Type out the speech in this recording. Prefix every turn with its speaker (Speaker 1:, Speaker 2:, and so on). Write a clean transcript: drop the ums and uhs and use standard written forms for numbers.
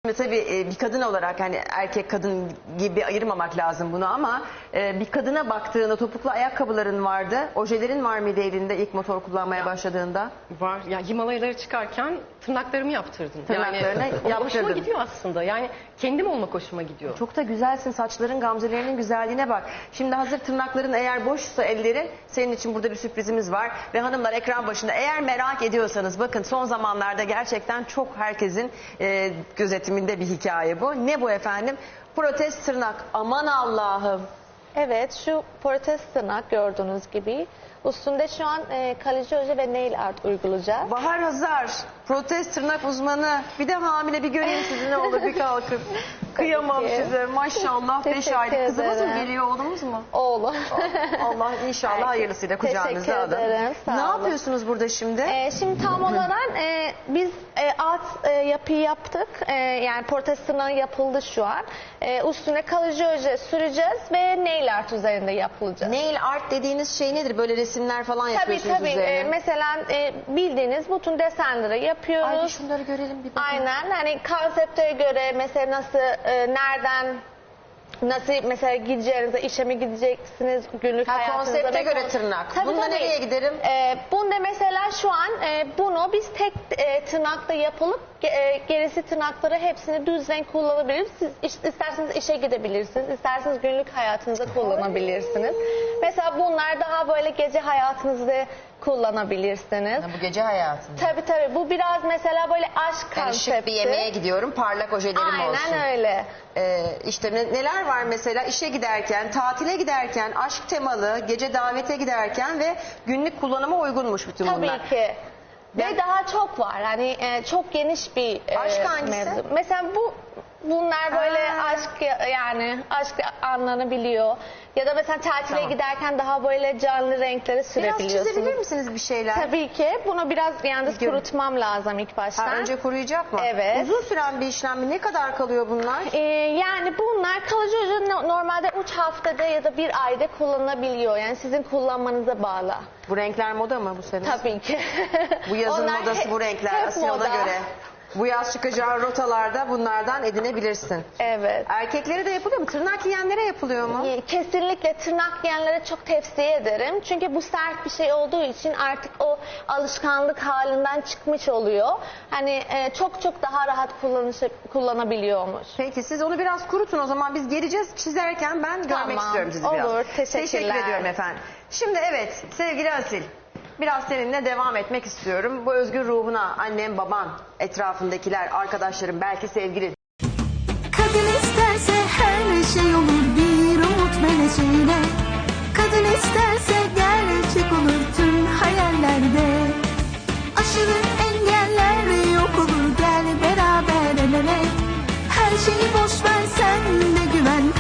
Speaker 1: Ve tabii bir kadın olarak hani erkek kadın gibi ayırmamak lazım bunu ama bir kadına baktığında topuklu ayakkabıların vardı. Ojelerin var mıydı elinde ilk motor kullanmaya başladığında?
Speaker 2: Var. Ya Himalayalara çıkarken tırnaklarımı yaptırdım.
Speaker 1: Tırnaklarını
Speaker 2: yani, hoşuma
Speaker 1: yaptırdın.
Speaker 2: gidiyor aslında. Yani kendim olmak hoşuma gidiyor.
Speaker 1: Çok da güzelsin. Saçların, gamzelerinin güzelliğine bak. Şimdi hazır tırnakların eğer boşsa ellerin, senin için burada bir sürprizimiz var. Ve hanımlar ekran başında eğer merak ediyorsanız bakın son zamanlarda gerçekten çok herkesin gözetiminde bir hikaye bu. Ne bu efendim? Protez tırnak. Aman Allah'ım.
Speaker 3: Evet, şu protez tırnak gördüğünüz gibi. Üstünde şu an kalıcı oje ve nail art uygulayacağız.
Speaker 1: Bahar Hazar, protez tırnak uzmanı. Bir de hamile bir göreyim sizi ne olur bir kalkın. Kıyamam
Speaker 3: ki.
Speaker 1: size. Maşallah 5
Speaker 3: Teşekkür
Speaker 1: aylık kızımız mı
Speaker 3: ederim.
Speaker 1: geliyor, oğlumuz mu?
Speaker 3: Oğlum.
Speaker 1: Allah inşallah hayırlısıyla kucağınıza
Speaker 3: Teşekkür
Speaker 1: alın.
Speaker 3: ederim, sağ
Speaker 1: Ne
Speaker 3: olun.
Speaker 1: yapıyorsunuz burada şimdi?
Speaker 3: Şimdi tam olarak biz alt yapıyı yaptık. Yani protez tırnağı yapıldı şu an. Üstüne kalıcı oje süreceğiz ve nail art üzerinde yapılacak.
Speaker 1: Nail art dediğiniz şey nedir? Böyle resimler falan
Speaker 3: Tabii
Speaker 1: yapıyorsunuz
Speaker 3: tabii.
Speaker 1: üzerine.
Speaker 3: Mesela bildiğiniz bütün desenleri yapıyoruz.
Speaker 1: Ay bir şunları görelim bir bakın.
Speaker 3: Aynen. Hani konsepte göre mesela nasıl, nereden, nasıl mesela gideceğinize, işe mi gideceksiniz, günlük hayatınıza.
Speaker 1: Konsepte
Speaker 3: ve
Speaker 1: göre tırnak.
Speaker 3: Tabii,
Speaker 1: Bunda
Speaker 3: tabii.
Speaker 1: nereye giderim?
Speaker 3: Bunda mesela şu an bunu biz tek tırnakla yapılıp gerisi tırnakları hepsini düz renk kullanabiliriz. Siz isterseniz işe gidebilirsiniz, isterseniz günlük hayatınızda kullanabilirsiniz. Mesela bunlar daha böyle gece hayatınızda kullanabilirsiniz.
Speaker 1: Bu gece hayatında.
Speaker 3: Tabii tabii. Bu biraz mesela böyle aşk
Speaker 1: Yani
Speaker 3: konsepti.
Speaker 1: şık bir yemeğe gidiyorum, parlak ojelerim olsun.
Speaker 3: Aynen öyle.
Speaker 1: İşte neler var mesela işe giderken, tatile giderken, aşk temalı, gece davete giderken ve günlük kullanıma uygunmuş bütün
Speaker 3: Tabii
Speaker 1: bunlar.
Speaker 3: ki.
Speaker 1: Ben-
Speaker 3: Ve daha çok var. Hani çok geniş bir
Speaker 1: Aşk hangisi?
Speaker 3: mevzu. Mesela bunlar böyle aşk, yani aşk anlarını biliyor. Ya da mesela tatile
Speaker 1: Tamam.
Speaker 3: giderken daha böyle canlı renkleri
Speaker 1: Biraz
Speaker 3: sürebiliyorsunuz.
Speaker 1: çizebilir misiniz bir şeyler?
Speaker 3: Tabii ki. Bunu biraz yalnız
Speaker 1: Biliyorum.
Speaker 3: kurutmam lazım ilk baştan.
Speaker 1: Ha, önce kuruyacak mı?
Speaker 3: Evet.
Speaker 1: Uzun süren bir işlem mi? Ne kadar kalıyor bunlar?
Speaker 3: Yani bunlar kalıcı oje normalde 3 haftada ya da 1 ayda kullanılabiliyor. Yani sizin kullanmanıza bağlı.
Speaker 1: Bu renkler moda mı bu sene?
Speaker 3: Tabii ki.
Speaker 1: Bu yazın
Speaker 3: Onlar
Speaker 1: modası bu renkler.
Speaker 3: hep
Speaker 1: Asiye ona
Speaker 3: moda.
Speaker 1: göre. Bu yaz çıkacağı rotalarda bunlardan edinebilirsin.
Speaker 3: Evet.
Speaker 1: Erkeklere de yapılıyor mu? Tırnak yiyenlere yapılıyor mu?
Speaker 3: Kesinlikle tırnak yiyenlere çok tavsiye ederim. Çünkü bu sert bir şey olduğu için artık o alışkanlık halinden çıkmış oluyor. Hani çok çok daha rahat kullanabiliyormuş.
Speaker 1: Peki siz onu biraz kurutun o zaman biz geleceğiz çizerken ben görmek
Speaker 3: Tamam,
Speaker 1: istiyorum sizi biraz.
Speaker 3: olur, teşekkürler.
Speaker 1: Teşekkür ediyorum efendim. Şimdi evet sevgili Asil biraz seninle devam etmek istiyorum. Bu özgür ruhuna annem baban etrafındakiler arkadaşlarım belki sevgilin.
Speaker 4: Kadın isterse her şey olur bir umut meleğiyle. Kadın isterse gerçek olur tüm hayallerde. Aşılı engeller yok olur gel beraber el ele. Her şeyi boş ver sen de güven